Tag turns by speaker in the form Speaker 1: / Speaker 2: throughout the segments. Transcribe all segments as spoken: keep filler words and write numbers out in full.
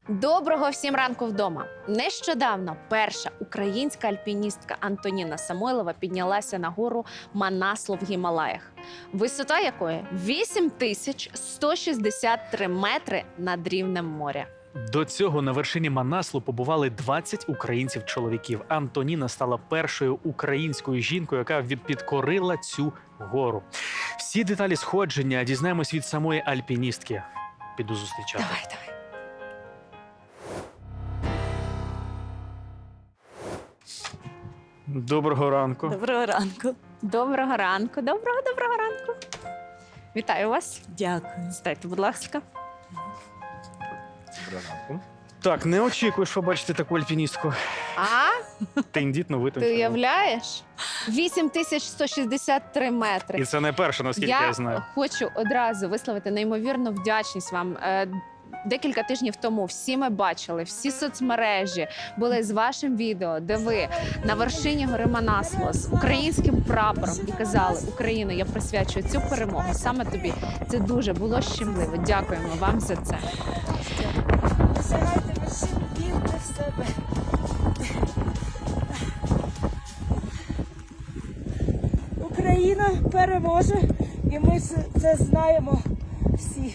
Speaker 1: Доброго всім ранку вдома! Нещодавно перша українська альпіністка Антоніна Самойлова піднялася на гору Манасло в Гімалаях, висота якої вісім тисяч сто шістдесят три метри над рівнем моря.
Speaker 2: До цього на вершині Манаслу побували двадцять українців-чоловіків. Антоніна стала першою українською жінкою, яка від- підкорила цю гору. Всі деталі сходження дізнаємось від самої альпіністки. Піду зустрічати.
Speaker 1: Давай, давай.
Speaker 2: Доброго ранку.
Speaker 3: Доброго ранку.
Speaker 1: Доброго ранку, доброго, доброго ранку. Вітаю вас.
Speaker 3: Дякую.
Speaker 1: Стайте, будь ласка.
Speaker 2: Так, не очікуєш побачити таку альпіністку.
Speaker 1: А,
Speaker 2: Тендітно
Speaker 1: ти
Speaker 2: витончено.
Speaker 1: уявляєш? вісім тисяч сто шістдесят три метри.
Speaker 2: І це не перша, наскільки я,
Speaker 1: Я
Speaker 2: знаю.
Speaker 1: хочу одразу висловити неймовірну вдячність вам. Е, Декілька тижнів тому всі ми бачили, всі соцмережі були з вашим відео, де ви на вершині гори Манасло з українським прапором і казали: Україно, я присвячую цю перемогу саме тобі. Це дуже було щемливо. Дякуємо вам за це.
Speaker 3: Досягайте вершин, вірте в себе. Україна переможе, і ми це знаємо всі.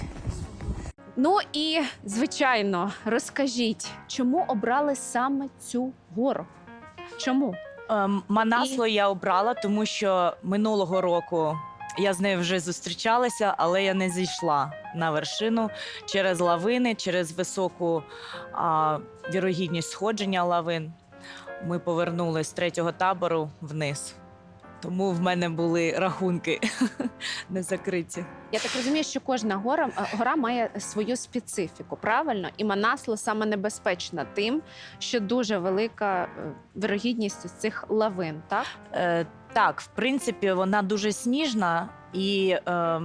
Speaker 1: Ну і звичайно, розкажіть, чому обрали саме цю гору? Чому?
Speaker 4: Ем, Манасло я обрала, тому що минулого року я з нею вже зустрічалася, але я не зійшла на вершину через лавини, через високу а, вірогідність сходження лавин. Ми повернулись з третього табору вниз. Тому в мене були рахунки не закриті.
Speaker 1: Я так розумію, що кожна гора, гора має свою специфіку, правильно? І Манасло саме небезпечна тим, що дуже велика е, вирогідність ось цих лавин, так?
Speaker 4: Е, так, в принципі, вона дуже сніжна і е,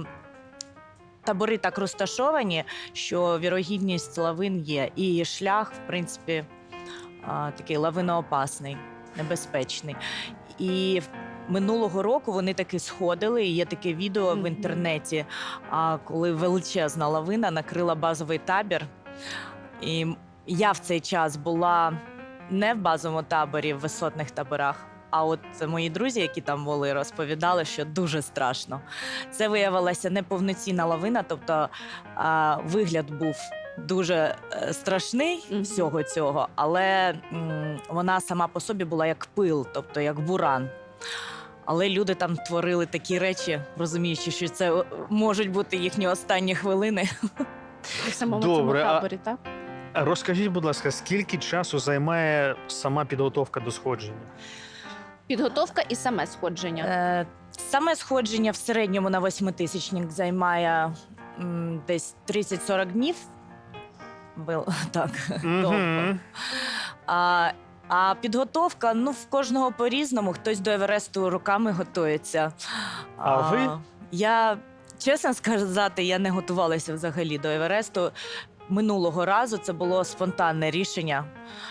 Speaker 4: табори так розташовані, що вірогідність лавин є. І шлях, в принципі, е, такий лавиноопасний, небезпечний. І минулого року вони таки сходили, і є таке відео
Speaker 1: Мгм.
Speaker 4: в інтернеті, а, коли величезна лавина накрила базовий табір. І я в цей час була не в базовому таборі, в висотних таборах, а от мої друзі, які там були, розповідали, що дуже страшно. Це виявилася неповноцінна лавина, тобто а, вигляд був дуже е, страшний
Speaker 1: Мгм.
Speaker 4: всього цього, але м, вона сама по собі була як пил, тобто як буран. Але люди там творили такі речі, розуміючи, що це е, можуть бути їхні останні хвилини.
Speaker 1: У самому
Speaker 2: Добре,
Speaker 1: цьому
Speaker 2: а-
Speaker 1: таборі, так?
Speaker 2: Розкажіть, будь ласка, скільки часу займає сама підготовка до сходження?
Speaker 1: Підготовка і саме сходження.
Speaker 4: Е, Саме сходження в середньому на восьмитисячник займає м, десь тридцять-сорок днів. Вил- Так, довго.
Speaker 2: Мгм.
Speaker 4: А, а підготовка, ну, в кожного по-різному. Хтось до Евересту руками готується.
Speaker 2: А ви?
Speaker 4: Я, чесно сказати, я не готувалася взагалі до Евересту. Минулого разу це було спонтанне рішення.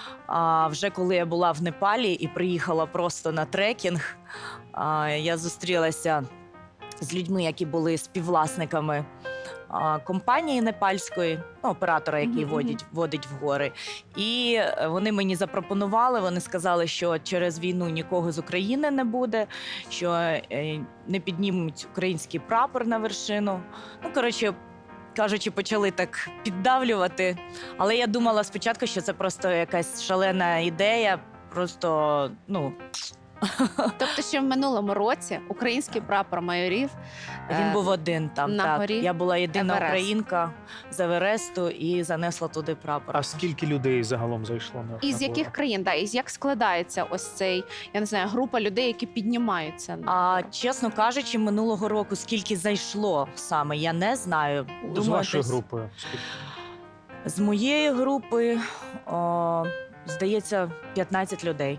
Speaker 4: А вже коли я була в Непалі і приїхала просто на трекінг, а, я зустрілася з людьми, які були співвласниками а, компанії непальської, ну, оператора, який
Speaker 1: Мгм,
Speaker 4: водить, водить в гори. І е, вони мені запропонували, вони сказали, що через війну нікого з України не буде, що е, не піднімуть український прапор на вершину. Ну, коротше, кажучи, почали так піддавлювати. Але я думала спочатку, що це просто якась шалена ідея, просто, ну,
Speaker 1: Тобто ще в минулому році український прапор майорів
Speaker 4: він
Speaker 1: е,
Speaker 4: був один там.
Speaker 1: на
Speaker 4: так.
Speaker 1: горі
Speaker 4: Я була єдина
Speaker 1: Еверест.
Speaker 4: українка з Евересту і занесла туди прапор.
Speaker 2: А скільки людей загалом зайшло на
Speaker 1: Із
Speaker 2: на
Speaker 1: яких
Speaker 2: гору?
Speaker 1: країн, да, із як складається ось цей, я не знаю, група людей, які піднімаються? на
Speaker 4: А
Speaker 1: гору?
Speaker 4: чесно кажучи, минулого року скільки зайшло саме, я не знаю.
Speaker 2: З
Speaker 4: Думаю,
Speaker 2: вашою
Speaker 4: десь
Speaker 2: групою? Скільки?
Speaker 4: з моєї групи, о, здається, п'ятнадцять людей.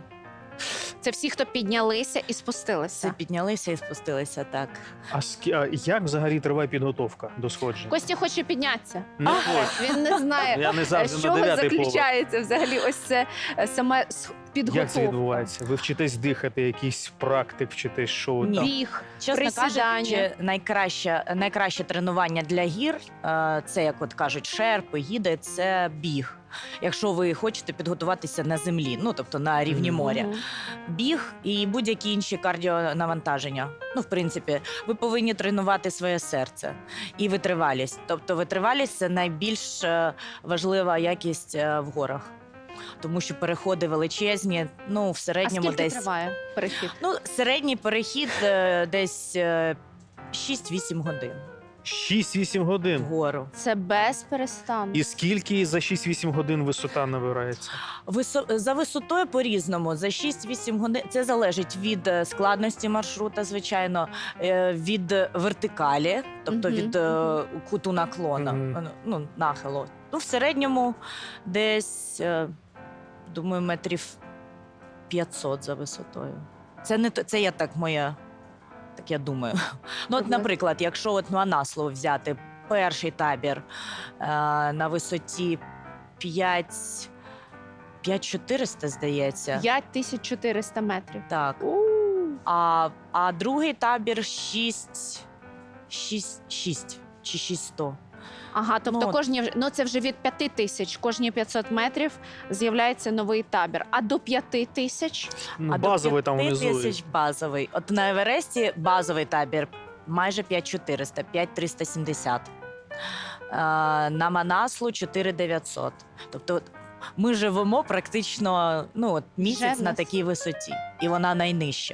Speaker 1: Це всі, хто піднялися і
Speaker 4: Це
Speaker 1: спустилися.
Speaker 4: піднялися і спустилися, так.
Speaker 2: А, скі... а як взагалі триває підготовка до сходження?
Speaker 1: Костя хоче піднятися.
Speaker 2: Не
Speaker 1: А,
Speaker 2: хочу.
Speaker 1: Він не знає,
Speaker 2: Я не
Speaker 1: з
Speaker 2: завжди на
Speaker 1: чого
Speaker 2: дев'ятий поверх.
Speaker 1: заключається взагалі ось це е, саме с- підготовка.
Speaker 2: Як це відбувається? Ви вчитесь дихати, якийсь практик, вчитесь, що
Speaker 4: Ні.
Speaker 2: там?
Speaker 1: Біг,
Speaker 4: Чесно
Speaker 1: присідання.
Speaker 4: кажучи, найкраще, найкраще тренування для гір е, це, як от кажуть, шерпи, гіди, це біг. Якщо ви хочете підготуватися на землі, ну тобто на рівні
Speaker 2: Мгм.
Speaker 4: моря.
Speaker 1: Мгм.
Speaker 4: Біг і будь-які інші кардіонавантаження. Ну, в принципі, ви повинні тренувати своє серце і витривалість. Тобто витривалість це найбільш е, важлива якість е, в горах. Тому що переходи величезні, ну, в
Speaker 1: А
Speaker 4: середньому
Speaker 1: скільки
Speaker 4: десь.
Speaker 1: триває перехід?
Speaker 4: Ну, середній перехід е, десь е, шість-вісім годин
Speaker 2: шість-вісім годин.
Speaker 4: вгору.
Speaker 1: Це без перестанку.
Speaker 2: І скільки за шість-вісім годин висота набирається?
Speaker 4: Висо... За висотою по-різному. За шість-вісім годин це залежить від е, складності маршрута, звичайно, е, від вертикалі, тобто
Speaker 1: Мгм,
Speaker 4: від е, куту наклона,
Speaker 2: Мгм.
Speaker 4: е, ну, нахилу. Ну, в середньому десь, е, думаю, метрів п'ятсот за висотою. Це не то- це я так моя, так я думаю. Ну, от,
Speaker 1: Мгм.
Speaker 4: наприклад, якщо от Манасло взяти перший табір е, на висоті п'ять п'ять чотириста, здається.
Speaker 1: п'ять тисяч чотириста метрів.
Speaker 4: Так.
Speaker 1: У.
Speaker 4: А, а другий табір шість, шість, шість чи шість
Speaker 1: Ага, тобто
Speaker 4: Ну,
Speaker 1: кожні вже- ну це вже від п'яти тисяч, кожні п'ятсот метрів з'являється новий табір. А до п'яти тисяч
Speaker 2: Ну,
Speaker 4: а
Speaker 2: базовий
Speaker 4: до
Speaker 2: там
Speaker 4: п'яти
Speaker 2: внизу.
Speaker 4: тисяч базовий. От на Евересті базовий табір майже п'ять чотириста, п'ять триста сімдесят. А, на Манаслу чотири дев'ятсот. Тобто от ми живемо практично ну, от місяць
Speaker 1: Вже в
Speaker 4: на
Speaker 1: нас.
Speaker 4: такій висоті, і вона найнижча.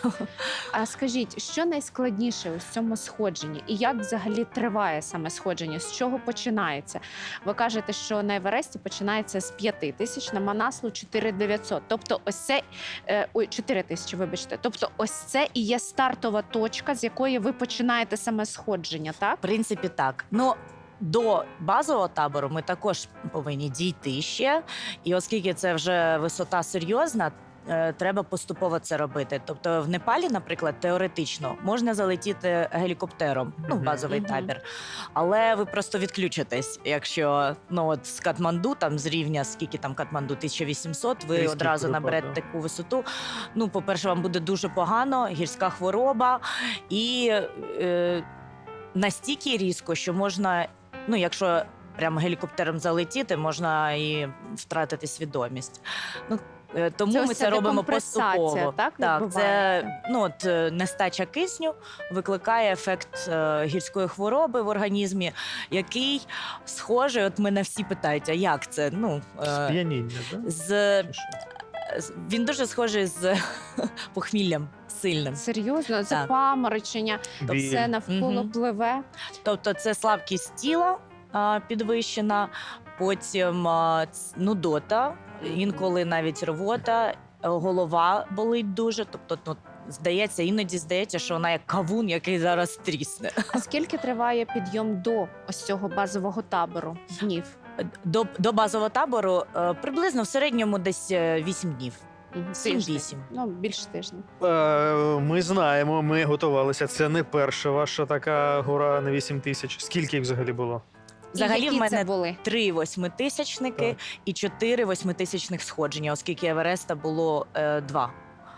Speaker 1: А скажіть, що найскладніше у цьому сходженні? І як взагалі триває саме сходження? З чого починається? Ви кажете, що на Евересті починається з п'яти тисяч, на Манаслу чотири дев'ятсот. Тобто ось це, е, ой, чотири тисячі, вибачте. Тобто ось це і є стартова точка, з якої ви починаєте саме сходження, так?
Speaker 4: В принципі, так. Ну, до базового табору ми також повинні дійти ще. І оскільки це вже висота серйозна, е, треба поступово це робити. Тобто в Непалі, наприклад, теоретично можна залетіти гелікоптером, ну, в
Speaker 2: Мгм.
Speaker 4: базовий
Speaker 1: Мгм.
Speaker 4: табір. Але ви просто відключитесь, якщо ну, от з Катманду, там з рівня, скільки там Катманду, тисяча вісімсот, ви
Speaker 2: Різкий
Speaker 4: одразу
Speaker 2: перепад,
Speaker 4: наберете
Speaker 2: да.
Speaker 4: таку висоту. Ну, по-перше, вам буде дуже погано, гірська хвороба і е, настільки різко, що можна, ну, якщо прямо гелікоптером залетіти, можна і втратити свідомість. Ну, е, тому
Speaker 1: Це
Speaker 4: ми
Speaker 1: ось
Speaker 4: це
Speaker 1: ця
Speaker 4: робимо
Speaker 1: декомпресація,
Speaker 4: поступово.
Speaker 1: так,
Speaker 4: так, це
Speaker 1: відбувається?
Speaker 4: ну, от, е, нестача кисню викликає ефект е, гірської хвороби в організмі, який схожий, от мене всі питають, а як це? Ну, е,
Speaker 2: Сп'яніння, да?
Speaker 4: з,
Speaker 2: Чи що?
Speaker 4: з- він дуже схожий з похміллям сильним.
Speaker 1: Серйозно, це
Speaker 4: Так.
Speaker 1: паморочення,
Speaker 2: Біль.
Speaker 1: все навколо
Speaker 4: Мгм.
Speaker 1: пливе.
Speaker 4: Тобто це слабкість тіла а, підвищена, потім а, ц- нудота, інколи навіть рвота, е, голова болить дуже. Тобто, ну, здається, іноді здається, що вона як кавун, який зараз трісне.
Speaker 1: А скільки триває підйом до ось цього базового табору днів?
Speaker 4: До, до базового табору е, приблизно в середньому десь е, вісім днів.
Speaker 1: Мгм, тиждень.
Speaker 4: сім-вісім.
Speaker 1: Ну, більше тижня.
Speaker 2: Е, Ми знаємо, ми готувалися. Це не перша ваша така гора на вісім тисяч. Скільки їх взагалі було?
Speaker 4: Взагалі
Speaker 1: І які
Speaker 4: в мене
Speaker 1: це були?
Speaker 4: Три восьмитисячники
Speaker 2: Так.
Speaker 4: і чотири восьмитисячних сходження, оскільки Евереста було е, два.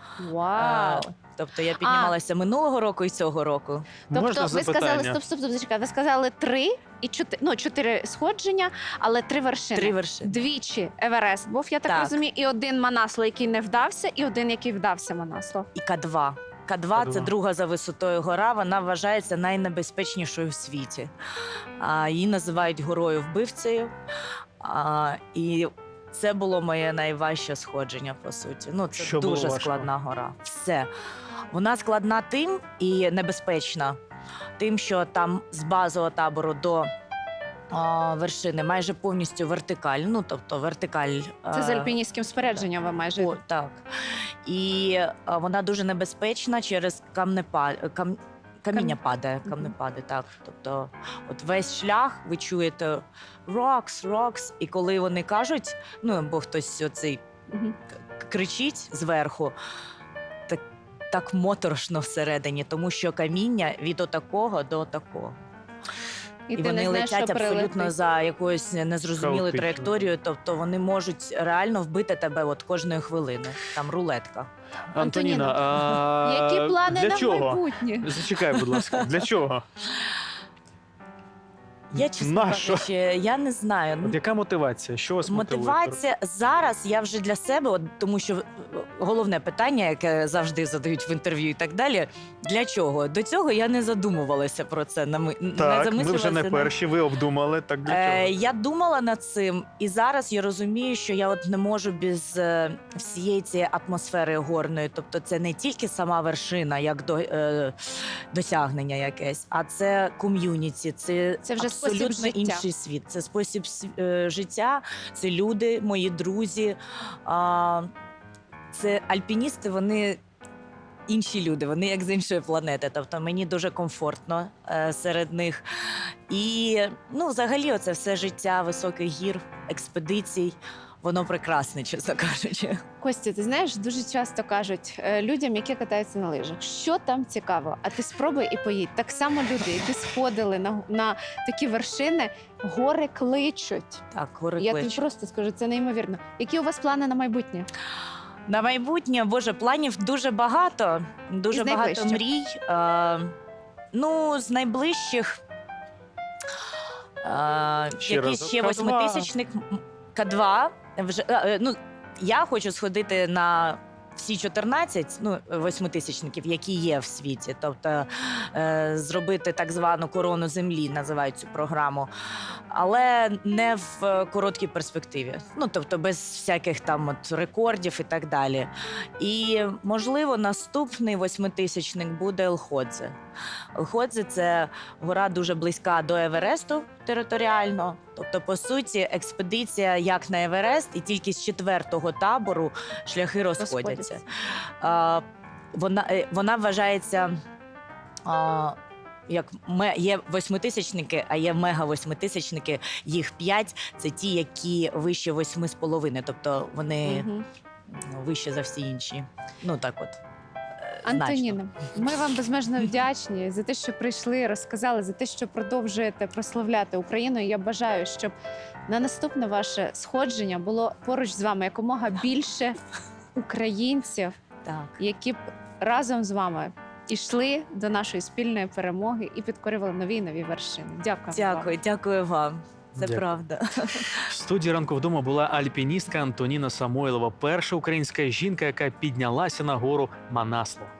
Speaker 1: Вау!
Speaker 4: Е, Тобто я піднімалася минулого року і цього року.
Speaker 1: Тобто
Speaker 2: Можна
Speaker 1: ви
Speaker 2: запитання?
Speaker 1: сказали, стоп, стоп, стоп, зачекай, ви сказали три і чотири, ну, чотири сходження, але три вершини.
Speaker 4: Три вершини.
Speaker 1: Двічі Еверест був, я так,
Speaker 4: Так.
Speaker 1: розумію, і один Манасло, який не вдався, і один, який вдався Манасло.
Speaker 4: І К два. К два це
Speaker 2: К два.
Speaker 4: друга за висотою гора. Вона вважається найнебезпечнішою в світі. А, її називають горою вбивцею. А, і це було моє найважче сходження, по суті. Ну, це
Speaker 2: Що було
Speaker 4: дуже
Speaker 2: важко?
Speaker 4: складна гора. Все. Вона складна тим і небезпечна, тим, що там з базового табору до а, вершини майже повністю вертикаль. Ну, тобто вертикаль.
Speaker 1: Це з
Speaker 4: а,
Speaker 1: альпіністським спорядженням ви майже.
Speaker 4: О, так. І а, вона дуже небезпечна через камнепад... кам... каміння
Speaker 1: Кам-
Speaker 4: падає,
Speaker 1: Мгм.
Speaker 4: камнепади, так. Тобто, от весь шлях ви чуєте rocks, rocks, і коли вони кажуть, ну або хтось оцей
Speaker 1: Мгм.
Speaker 4: к- кричить зверху, так, так моторошно всередині, тому що каміння від отакого до отакого.
Speaker 1: І,
Speaker 4: І
Speaker 1: ти не
Speaker 4: вони
Speaker 1: знаєш,
Speaker 4: летять
Speaker 1: що
Speaker 4: абсолютно
Speaker 1: прилетить.
Speaker 4: за якоюсь незрозумілою
Speaker 2: Хаотично,
Speaker 4: траєкторією, тобто вони можуть реально вбити тебе от кожної хвилини. Там рулетка.
Speaker 2: Антоніна,
Speaker 1: Антоніна,
Speaker 2: а
Speaker 1: Які плани
Speaker 2: для
Speaker 1: на
Speaker 2: чого?
Speaker 1: майбутнє?
Speaker 2: Зачекай, будь ласка, для чого?
Speaker 4: Я чесно
Speaker 2: Нащо?
Speaker 4: кажучи, я не знаю.
Speaker 2: От яка мотивація? Що вас мотивує?
Speaker 4: Мотивація зараз я вже для себе, от, тому що е, головне питання, яке завжди задають в інтерв'ю і так далі. Для чого? До цього я не задумувалася про це. Не, ми- не
Speaker 2: Так, ми вже
Speaker 4: замислювалася
Speaker 2: не
Speaker 4: над-
Speaker 2: перші, ви обдумали, так для
Speaker 4: Е,
Speaker 2: чого?
Speaker 4: я думала над цим, і зараз я розумію, що я от не можу без е, всієї цієї атмосфери горної. Тобто, це не тільки сама вершина, як до, е, досягнення якесь, а це ком'юніті, це,
Speaker 1: Це вже спосіб
Speaker 4: абсолютно
Speaker 1: життя.
Speaker 4: інший світ. Це спосіб св- е, життя, це люди, мої друзі. А, це альпіністи, вони. Інші люди, вони як з іншої планети. Тобто мені дуже комфортно е, серед них. І ну, взагалі, оце все життя високих гір, експедицій, воно прекрасне, чесно кажучи.
Speaker 1: Костя, ти знаєш, дуже часто кажуть е, людям, які катаються на лижах, що там цікаво, а ти спробуй і поїдь. Так само люди, які сходили на, на такі вершини, гори кличуть.
Speaker 4: Так, гори
Speaker 1: Я тобі
Speaker 4: кличуть.
Speaker 1: просто скажу, це неймовірно. Які у вас плани на майбутнє?
Speaker 4: На майбутнє, боже, планів дуже багато. Дуже
Speaker 1: Із
Speaker 4: багато
Speaker 1: найближчих?
Speaker 4: мрій. Е, ну, з найближчих. Е,
Speaker 2: Ще
Speaker 4: якийсь
Speaker 2: разок.
Speaker 4: ще
Speaker 2: Ка два.
Speaker 4: восьмитисячник К два. Вже, е, е, ну, я хочу сходити на всі чотирнадцять ну, восьмитисячників, які є в світі. Тобто е, зробити так звану корону землі, називають цю програму. Але не в е, короткій перспективі. Ну, тобто без всяких там от рекордів і так далі. І, можливо, наступний восьмитисячник буде Елходзе. Елходзе – це гора дуже близька до Евересту територіально. Тобто, по суті, експедиція як на Еверест, і тільки з четвертого табору шляхи розходяться.
Speaker 1: Розходяться.
Speaker 4: А, вона, е, вона вважається. А, як ме- є восьмитисячники, а є мега-восьмитисячники, їх п'ять. Це ті, які вище восьми з половиною, тобто вони
Speaker 1: Мгм.
Speaker 4: ну, вище за всі інші. Ну так от. е, значно.
Speaker 1: Антоніна, ми вам безмежно вдячні за те, що прийшли, розказали, за те, що продовжуєте прославляти Україну. І я бажаю, щоб на наступне ваше сходження було поруч з вами якомога більше українців,
Speaker 4: Так.
Speaker 1: які б разом з вами йшли до нашої спільної перемоги і підкорювали нові і нові вершини. Дякую. вам.
Speaker 4: Дякую, дякую вам. Це
Speaker 2: Дякую.
Speaker 4: правда.
Speaker 2: В студії ранку вдома була альпіністка Антоніна Самойлова, перша українська жінка, яка піднялася на гору Манасло.